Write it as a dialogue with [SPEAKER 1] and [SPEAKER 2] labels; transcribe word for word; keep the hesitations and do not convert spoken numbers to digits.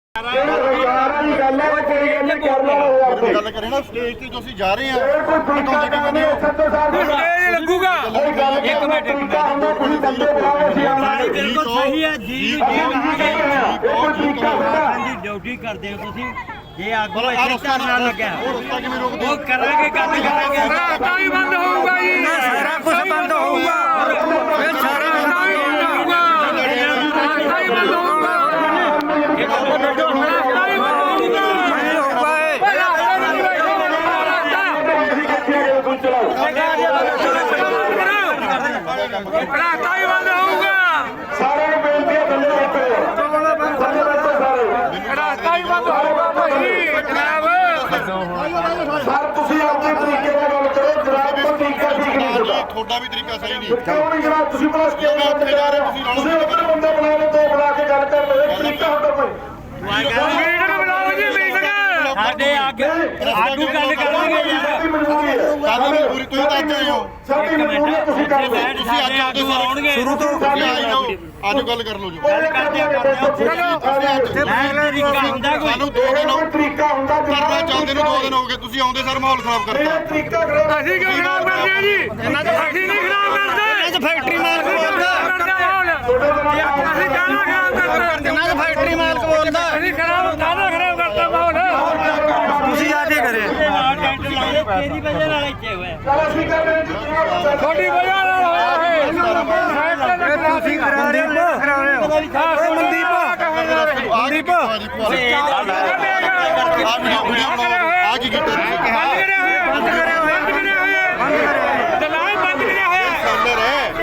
[SPEAKER 1] ਗੱਲ ਕਰੇ ਨਾ ਸਟੇਜ ਤੇ ਜੋ ਅਸੀਂ ਜਾ ਰਹੇ ਹਾਂ
[SPEAKER 2] ਲੱਗੂਗਾ ਇੱਕ ਮਿੰਟ ਇੱਕ ਮਿੰਟ ਬਿਲਕੁਲ ਸਹੀ ਹੈ ਜੀ ਜੀ ਡਿਊਟੀ ਕਰਦੇ ਹੋ ਤੁਸੀਂ ਇਹ ਆਗੂ ਇੱਥੇ ਧਰਨਾ ਲੱਗਿਆ ਉਹ ਕਰਾਂਗੇ ਗੱਲ ਕਰਾਂਗੇ ਰਾਸਤਾ ਵੀ ਬੰਦ ਹੋਊਗਾ ਜੀ ਸਾਰਾ ਕੁਝ ਬੰਦ ਹੋਊਗਾ ਫਿਰ ਸਾਰਾ ਰਾਸਤਾ ਵੀ ਬੰਦ ਹੋਊਗਾ ਰਾਸਤਾ ਵੀ ਬੰਦ ਹੋਊਗਾ ਇਹ ਰਾਸਤਾ ਵੀ ਬੰਦ ਹੋਊਗਾ ਰਾਸਤਾ ਹੀ ਬੰਦ ਹੋਊਗਾ
[SPEAKER 3] ਸਾਰੇ ਬੇਨਤੀ ਹੈ ਥੱਲੇ ਰੱਖੋ ਥੱਲੇ ਰੱਖੋ ਸਾਰੇ
[SPEAKER 2] ਰਾਸਤਾ ਹੀ ਬੰਦ ਹੋਊਗਾ ਭਾਈ ਜਨਾਬ
[SPEAKER 3] ਸਰ ਤੁਸੀਂ ਆਪਣੇ ਤਰੀਕੇ ਨਾਲ ਗੱਲ ਕਰੋ ਜਨਾਬ ਦਾ ਤਰੀਕਾ ਠੀਕ ਨਹੀਂ ਤੁਹਾਡਾ
[SPEAKER 1] ਤੁਹਾਡਾ ਵੀ ਤਰੀਕਾ ਸਹੀ ਨਹੀਂ
[SPEAKER 3] ਕਿਉਂ ਨਹੀਂ ਜਨਾਬ ਤੁਸੀਂ ਬਸ ਕਿਉਂ ਉੱਥੇ ਜਾ ਰਹੇ ਤੁਸੀਂ ਉੱਧਰ ਬੰਦੇ ਬਣਾ ਲਓ ਦੋ ਬਣਾ ਕੇ ਗੱਲ ਕਰ ਲਓ ਇਹ ਤਰੀਕਾ ਹੁੰਦਾ ਕੋਈ
[SPEAKER 2] ਮੀਟਿੰਗ ਬੁਲਾਓ ਜੀ ਮੀਟਿੰਗ ਸਾਡੇ ਅੱਗੇ ਆਗੂ ਗੱਲ ਕਰਨਗੇ ਯਾਰ
[SPEAKER 3] ਮਜਬੂਰੀ ਹੈ
[SPEAKER 1] ਸਾਡੀ ਮਜਬੂਰੀ ਤੁਸੀਂ ਤਾਂ ਅੱਜ ਆਏ ਹੋ
[SPEAKER 3] ਸਾਡੀ ਮਜਬੂਰੀ ਹੈ ਤੁਸੀਂ ਕਰ ਲਓ
[SPEAKER 1] ਤੁਸੀਂ ਅੱਜ ਆਉਂਦੇ
[SPEAKER 2] ਆਉਣਗੇ
[SPEAKER 1] ਸ਼ੁਰੂ ਤੋਂ ਤੁਸੀਂ ਆਏ ਜਾਓ ਅੱਜ ਗੱਲ ਕਰ ਲਓ ਜੀ
[SPEAKER 2] ਗੱਲ ਕਰਦੇ ਕਰਦੇ ਤਰੀਕਾ ਹੁੰਦਾ ਕੋਈ
[SPEAKER 1] ਸਾਨੂੰ ਦੋ ਦਿਨ
[SPEAKER 3] ਕੋਈ ਤਰੀਕਾ ਹੁੰਦਾ
[SPEAKER 1] ਕਰਨਾ ਚਾਹੁੰਦੇ ਨੂੰ ਦੋ ਦਿਨ ਹੋ ਗਏ ਤੁਸੀਂ ਆਉਂਦੇ ਸਰ ਮਾਹੌਲ ਖਰਾਬ ਕਰਤਾ
[SPEAKER 3] ਇਹ ਤਰੀਕਾ ਕਰੋ
[SPEAKER 2] ਅਸੀਂ ਕਿਉਂ ਖਰਾਬ ਕਰਦੇ ਆ ਜੀ ਅਸੀਂ ਨਹੀਂ ਖਰਾਬ ਕਰਦੇ ਇਹਨਾਂ ਚ ਫੈਕਟਰੀ ਮਾਲਕ ਬੋਲਦਾ ਅਸੀਂ ਕਾਹਦਾ ਖਰਾਬ ਕਰਦੇ ਇਹਨਾਂ ਚ ਫੈਕਟਰੀ ਮਾਲਕ ਬੋਲਦਾ ਅਸੀਂ ਖਰਾਬ ਕਾਹਦਾ ਖਰਾਬ ਕਰਤਾ ਮਾਹੌਲ ਤੁਸੀਂ ਆ ਕੇ ਕਰੇ ਤੇਰੀ ਵਜ੍ਹਾ ਨਾਲ ਇੱਥੇ ਹੋਇਆ
[SPEAKER 3] ਚਲ ਅਸੀਂ ਕਰਦੇ ਹਾਂ ਜੀ
[SPEAKER 2] ਤੁਹਾਡੀ ਵਜ੍ਹਾ ਨਾਲ ਹੋਇਆ ਹੈ ਤੁਸੀਂ ਕਰਾ ਰਹੇ ਹੋ ਕਰਾ ਰਹੇ ਹੋ ਮਨਦੀਪ
[SPEAKER 1] ਮਨਦੀਪ ਆ ਕੀ ਕੀਤਾ ਤੁਸੀਂ
[SPEAKER 2] ਬੰਦ ਕਰਿਆ ਹੋਇਆ ਬੰਦ ਕਰਿਆ ਹੋਇਆ ਬੰਦ ਕਰਿਆ ਹੋਇਆ ਦਲਾਲ ਬੰਦ ਕਰਿਆ ਹੋਇਆ
[SPEAKER 1] ਅੰਦਰ ਹੈ